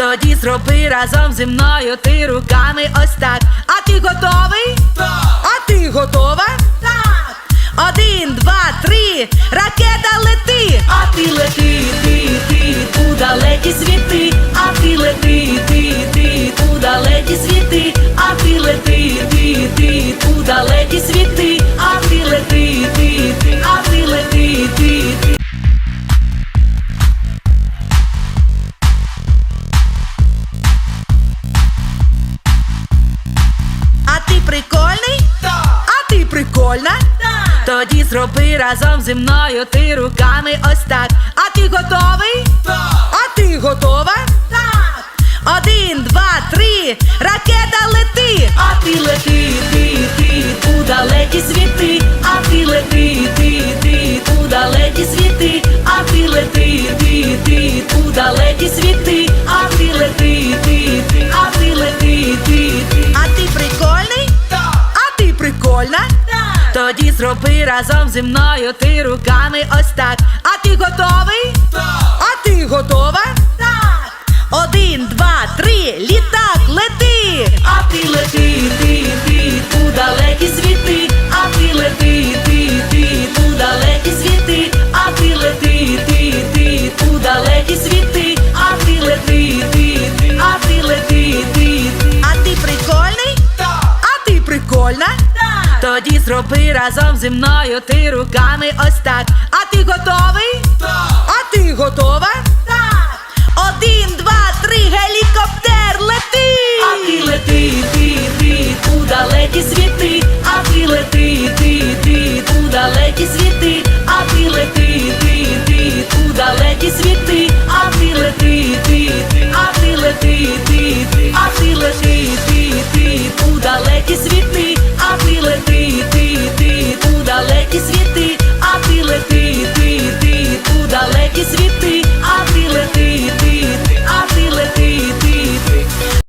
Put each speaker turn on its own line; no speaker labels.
Тоді зроби разом зі мною ти руками ось так. А ти готовий?
Так!
А ти готова?
Так!
1, 2, 3, ракета лети! А ти лети, ти, у далекі світи. А ти лети, ти, у далекі світи. А ти лети, ти, у далекі світи. А ти лети, а ти лети, ти. А ти прикольний?
Так!
А ти прикольна?
Так!
Тоді зроби разом зі мною ти руками ось так. А ти готовий?
Так!
А ти готова?
Так!
1, 2, 3, ракета лети! А ти лети, ти, у далекі світи. А ти лети, ти, у далекі світи. А ти лети, ти, у далекі світи. А ти лети, а ти лети, А ти прикольний?
Так!
А ти прикольна?
Так!
Тоді зроби разом зі мною ти руками ось так. А ти готовий?
Так!
А ти готова?
Так!
1, 2, 3, літак лети! А ти лети, ти, у далекі світи. А ти лети, ти, у далекі світи. А ти лети, ти, у далекі світи. А ти лети, а ти лети, А ти прикольний?
Так!
А ти прикольна?
Так!
Тоді зроби разом зі мною ти руками ось так. А ти готовий?
Так!
А ти готова?
Так!
1, 2, 3, гелікоптер лети! А ти лети, ти, у далекі світи. А ти лети, ти, у далекі світи. А ти лети, ти, у далекі світи. А ти лети, а ти лети, а ти лети, ти, у далекі світи. А ти лети, ти, у далекі світи. А ти лети, ти, у далекі світи.